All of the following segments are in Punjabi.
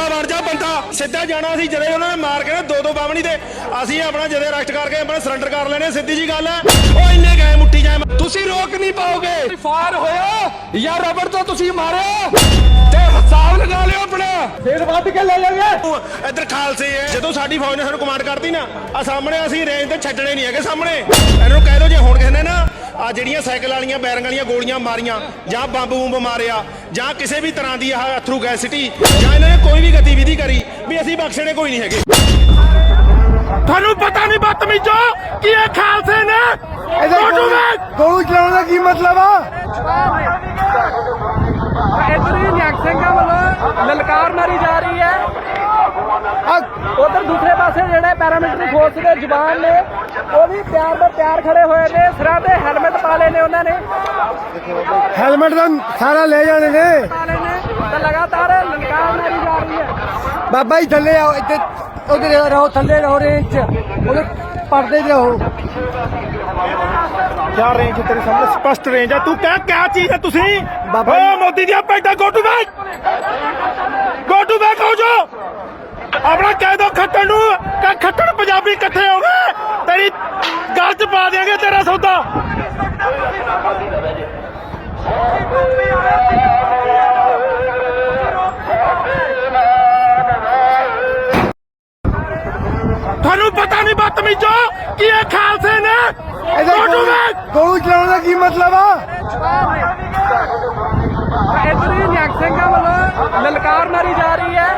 ਬਣ ਜਾ ਬੰਦਾ ਸਿੱਧਾ ਜਾਣਾ ਸੀ ਜਦੇ ਉਹਨਾਂ ਨੇ ਮਾਰ ਕੇ ਨਾ ਦੋ ਬਾਵਣੀ ਤੇ ਅਸੀਂ ਆਪਣਾ ਜਦੇ ਅਰੈਸਟ ਕਰਕੇ ਆਪਣਾ ਸਰੈਂਡਰ ਕਰ ਲੈਣੇ ਸਿੱਧੀ ਜੀ ਗੱਲ ਹੈ ਉਹ ਇੰਨੇ ਗਏ ਮੁੱਟੀ ਜਾਏ ਤੁਸੀਂ ਰੋਕ ਨਹੀਂ ਪਾਓਗੇ ਫਾਰ ਹੋਇਆ ਜਾਂ ਰਬੜ ਤੋਂ ਤੁਸੀਂ ਮਾਰਿਆ ਤੇ ਹਿਸਾਬ ਲਗਾ ਲਿਓ ਆਪਣਾ ਫੇਰ ਵੱਧ ਕੇ ਲੈ ਜਾਗੇ ਇੱਧਰ ਖਾਲਸੇ ਹੈ ਜਦੋਂ ਸਾਡੀ ਫੌਜ ਨੇ ਸਾਨੂੰ ਕਮਾਂਡ ਕਰਤੀ ਨਾ ਆ ਸਾਹਮਣੇ ਅਸੀਂ ਰੇਂਜ ਤੇ ਛੱਡਣੇ ਨਹੀਂ ਹੈਗੇ ਸਾਹਮਣੇ ਇਹਨਾਂ ਨੂੰ ਕਹਿ ਦਿਓ ਜੇ ਹੁਣ ਕਿਸੇ ਨੇ ਨਾ ਆ ਜਿਹੜੀਆਂ ਸਾਈਕਲ ਵਾਲੀਆਂ ਬੈਰਿੰਗ ਵਾਲੀਆਂ ਗੋਲੀਆਂ ਮਾਰੀਆਂ ਜਾਂ ਬੰਬ ਬੂੰਬ ਮਾਰਿਆ ਜਾਂ ਕਿਸੇ ਵੀ ਤਰ੍ਹਾਂ ਦੀ ਆਹ ਅਥਰੂ ਗੈਸ ਸਿਟੀ ਜਾਂ ਇਹਨਾਂ ਨੇ ਕੋਈ ਵੀ ਗਤੀਵਿਧੀ ਕਰੀ ਵੀ ਅਸੀਂ ਬਖਸ਼ਣੇ ਕੋਈ ਨਹੀਂ ਹੈਗੇ ਤੁਹਾਨੂੰ ਪਤਾ ਨਹੀਂ ਬਦਤਮੀਜ਼ੋ ਕਿ ਇਹ ਖਾਲਸੇ ਨੇ ਗੋਲੂ ਚਲਾਉਣ ਦਾ ਕੀ ਮਤਲਬ ਆ ਇਧਰ ਹੀ ਨਿਹੰਗ ਸਿੰਘਾਂ ਵੱਲੋਂ ਲਲਕਾਰ ਮਾਰੀ ਜਾ ਰਹੀ ਹੈ ਉਧਰ ਦੂਸਰੇ ਪਾਸੇ ਜਿਹੜੇ ਪੈਰਾਮਿਲਟਰੀ ਫੋਰਸ ਦੇ ਜਵਾਨ ਨੇ ਉਹ ਵੀ ਤਿਆਰ ਖੜੇ ਹੋਏ ਨੇ ਸਿਰਾਂ ਤੇ ਹੈਲਮਟ ਪਾ ਲਏ ਨੇ ਉਹਨਾਂ ਨੇ ਹੈਲਮਟ ਦਾ ਸਾਰਾ ਲੈ ਜਾਣੇ ਨੇ ਤਾਂ ਲਗਾਤਾਰ ਲਲਕਾਰ ਮਾਰੀ ਜਾ ਰਹੀ ਹੈ ਬਾਬਾ ਜੀ ਥੱਲੇ ਆਓ ਇੱਥੇ ਉਹਦੇ ਰਹੋ ਥੱਲੇ ਰਹੋ ਰੇਂਜ ਚ ਉਹਦੇ ਪਰਦੇ ਤੇ ਰਹੋ ਕਿਆ ਰੇਂਜ ਤੇਰੇ ਸਾਹਮਣੇ ਸਪਸ਼ਟ ਰੇਂਜ ਆ ਤੂੰ ਕਹਿ ਕਿਆ ਚੀਜ਼ ਹੈ ਤੁਸੀਂ ਬਾਬਾ ਓ ਮੋਦੀ ਦੀਆਂ ਪੈਂਟਾਂ ਗੋ ਟੂ ਬੈਕ ਹੋ ਜੋ ਆਪਣਾ ਕਹਿ ਦੋ ਖੱਟਣ ਨੂੰ ਕਿ ਖੱਟਣ ਪੰਜਾਬੀ ਇਕੱਠੇ ਹੋ ਗਏ ਤੇਰੀ ਗੱਲ ਚ ਪਾ ਦਿਆਂਗੇ ਤੇਰਾ ਸੌਦਾ ਤੁਹਾਨੂੰ ਪਤਾ ਨਹੀਂ ਬਦਤਮੀਜ਼ੋ ਕਿ ਇਹ ਖਾਲਸੇ ਨੇ ਗੋਲੂ ਚਲਾਉਣ ਦਾ ਕੀ ਮਤਲਬ ਆ ਇਧਰ ਹੀ ਨਿਹੰਗ ਸਿੰਘਾਂ ਵੱਲੋਂ ਲਲਕਾਰ ਮਾਰੀ ਜਾ ਰਹੀ ਹੈ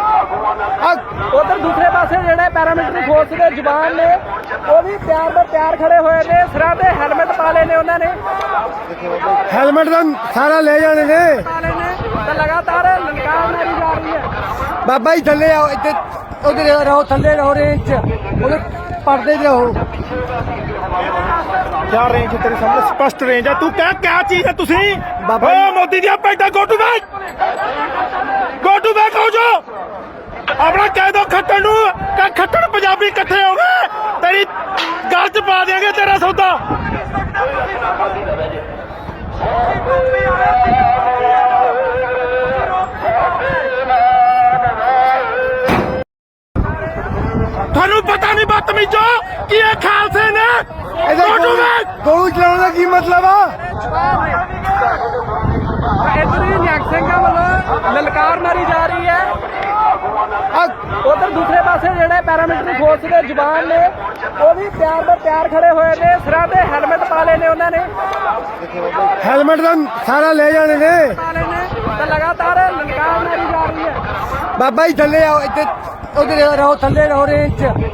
ਉਧਰ ਦੂਸਰੇ ਪਾਸੇ ਜਿਹੜੇ ਪੈਰਾਮਿਲਟਰੀ ਫੋਰਸ ਦੇ ਜਵਾਨ ਨੇ ਉਹ ਵੀ ਤਿਆਰ ਖੜੇ ਹੋਏ ਨੇ ਸਿਰਾਂ ਤੇ ਹੈਲਮਟ ਪਾ ਲਏ ਨੇ ਉਹਨਾਂ ਨੇ ਹੈਲਮਟ ਦਾ ਸਾਰਾ ਲੈ ਜਾਣੇ ਨੇ ਤਾਂ ਲਗਾਤਾਰ ਲਲਕਾਰ ਮਾਰੀ ਜਾ ਰਹੀ ਹੈ ਬਾਬਾ ਜੀ ਥੱਲੇ ਆਓ ਇੱਥੇ ਉਹਦੇ ਰਹੋ ਥੱਲੇ ਰਹੋ ਰੇਂਜ ਚ ਉਹਦੇ ਪਰਦੇ ਤੇ ਰਹੋ ਕਿਆ ਰੇਂਜ ਤੇਰੇ ਸਾਹਮਣੇ ਸਪਸ਼ਟ ਰੇਂਜ ਆ ਤੂੰ ਕਹਿ ਕਿਆ ਚੀਜ਼ ਹੈ ਤੁਸੀਂ ਬਾਬਾ ਓ ਮੋਦੀ ਦੀਆਂ ਪੈਂਟਾਂ ਗੋ ਟੂ ਬੈਕ ਹੋ ਜੋ ਆਪਣਾ ਕਹਿ ਦੋ ਖੱਟਣ ਨੂੰ ਕਿ ਖੱਟਣ ਪੰਜਾਬੀ ਇਕੱਠੇ ਹੋ ਗਏ ਤੇਰੀ ਗੱਲ ਚ ਪਾ ਦਿਆਂਗੇ ਤੇਰਾ ਸੌਦਾ ਤੁਹਾਨੂੰ ਪਤਾ ਨਹੀਂ ਬਦਤਮੀਜ਼ੋ ਕਿ ਇਹ ਖਾਲਸੇ ਨੇ ਗੋਲੂ ਚਲਾਉਣ ਦਾ ਕੀ ਮਤਲਬ ਆ ਇਧਰ ਹੀ ਨਿਹੰਗ ਸਿੰਘਾਂ ਵੱਲੋਂ ਲਲਕਾਰ ਮਾਰੀ ਜਾ ਰਹੀ ਹੈ ਉਧਰ ਦੂਸਰੇ ਪਾਸੇ ਜਿਹੜੇ ਪੈਰਾਮਿਲਟਰੀ ਫੋਰਸ ਦੇ ਜਵਾਨ ਨੇ ਉਹ ਵੀ ਤਿਆਰ ਖੜੇ ਹੋਏ ਨੇ ਸਿਰਾਂ ਤੇ ਹੈਲਮਟ ਪਾ ਲਏ ਨੇ ਉਹਨਾਂ ਨੇ ਹੈਲਮਟ ਦਾ ਸਾਰਾ ਲੈ ਜਾਣੇ ਨੇ ਤਾਂ ਲਗਾਤਾਰ ਲਲਕਾਰ ਮਾਰੀ ਜਾ ਰਹੀ ਹੈ ਬਾਬਾ ਜੀ ਥੱਲੇ ਆਓ ਇੱਥੇ ਉਹਦੇ ਰਹੋ ਥੱਲੇ ਰਹੋ ਰੇਂਜ ਚ